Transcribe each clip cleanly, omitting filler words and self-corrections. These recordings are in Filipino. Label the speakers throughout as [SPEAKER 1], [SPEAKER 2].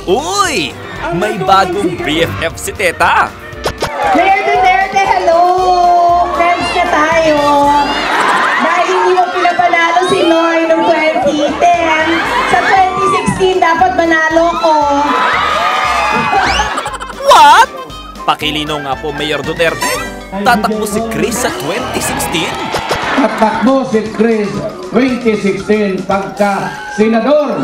[SPEAKER 1] Uy! May bagong BFF si Teta!
[SPEAKER 2] Mayor Duterte, hello! Friends na tayo! Dahil hindi mo pinapanalo si Noy noong 2010, sa 2016 dapat manalo ko.
[SPEAKER 1] What? Pakilinaw nga po, Mayor Duterte. Tatakbo si Chris sa 2016?
[SPEAKER 3] Tatakbo si Chris 2016 pagka senador.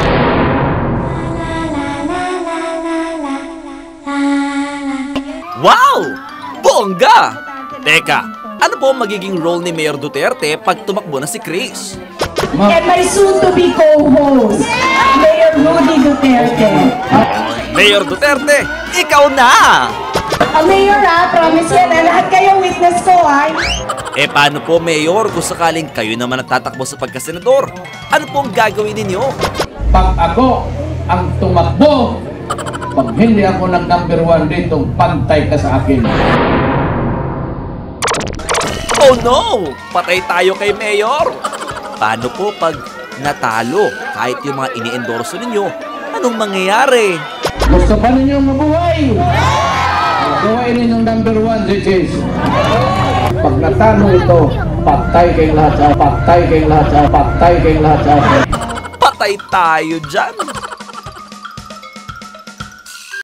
[SPEAKER 1] Wow! Bongga! Teka, ano po ang magiging role ni Mayor Duterte pag tumakbo na si Chris?
[SPEAKER 2] And my soon-to-be co-host, Mayor Rudy Duterte.
[SPEAKER 1] Mayor Duterte, ikaw na!
[SPEAKER 2] Mayor promise yan lahat kayo witness ko
[SPEAKER 1] Paano po, Mayor, kung sakaling kayo naman ang tatakbo sa pagkasenador? Ano po ang gagawin ninyo?
[SPEAKER 3] Pag ako ang tumakbo, pag hindi ako nag-number 1 dito, pantay ka sa akin.
[SPEAKER 1] Oh no! Patay tayo kay Mayor! Paano po pag natalo kahit yung mga ini-endorso ninyo? Anong mangyayari?
[SPEAKER 3] Gusto pa ninyo mabuhay? Mabuhay ninyong number 1, si Chis. Pag natalo ito, patay kayong lahat sa patay kayong lahat sa patay kayong lahat sa
[SPEAKER 1] Patay tayo dyan!